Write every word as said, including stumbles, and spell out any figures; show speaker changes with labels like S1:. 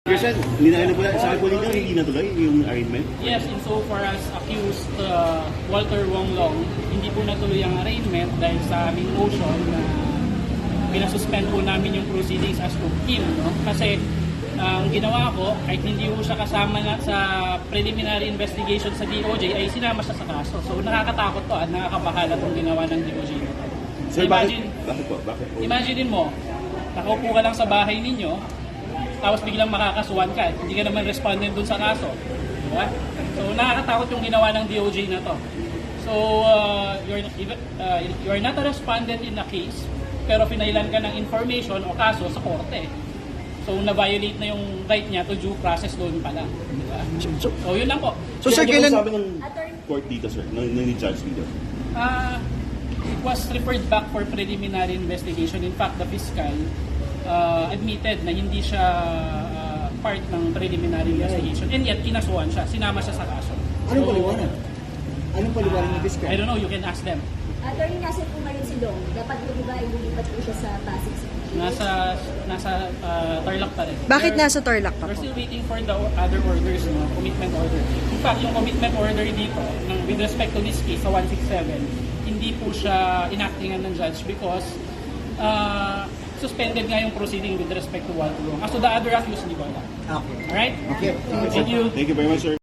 S1: Person, hindi na ano po, sa po nito, hindi natuloy yung arraignment?
S2: Yes, insofar as accused uh, Walter Wong Long, hindi po natuloy ang arraignment dahil sa aming motion na pinasuspend po namin yung proceedings as to him. No? Kasi uh, ang ginawa ko, kahit hindi po siya kasama na sa preliminary investigation sa D O J, ay sinama siya sa kaso. So nakakatakot to at nakakabahala itong ginawa ng D O J na to.
S1: Sir,
S2: Imagine,
S1: bakit, bakit po? Bakit po?
S2: Imagine mo, nakaupo ka lang sa bahay ninyo, tapos biglang makakasuhan ka, hindi ka naman respondent dun sa kaso. Diba? So nakakatakot yung ginawa ng D O J na to. So uh, you're, uh, you're not a respondent in a case, pero pinailan ka ng information o kaso sa korte. So na-violate na yung right niya to due process doon pala. Diba? So yun lang po.
S1: So,
S3: sir,
S1: ano
S3: kailan...
S1: po sabi ng court dito, sir? Ng, ng judge dito?
S2: Uh, it was referred back for preliminary investigation. In fact, the fiscal uh, admitted na hindi siya uh, part ng preliminary investigation. And yet, kinasuhan siya. Sinama siya sa kaso.
S3: Anong paliwanag? Anong paliwanag ng fiscal?
S2: I don't know, you can ask them.
S4: Attorney, nasa po ngayon si Dong. Dapat po ba ay lumipat po siya sa Pasig City?
S2: Nasa nasa uh, Tarlac pa rin.
S5: Bakit
S2: We're-
S5: nasa Tarlac pa
S2: We're
S5: po?
S2: still waiting for the other orders, no? Commitment order. In fact, yung commitment order dito, ng, with respect to this case, sa one sixty-seven, hindi po siya inactingan ng judge because uh, suspended nga yung proceeding with respect to Walter Wong. As to the other accused, hindi ko alam.
S3: Okay.
S2: Alright?
S3: Okay.
S2: Thank you.
S1: Thank you very much, sir.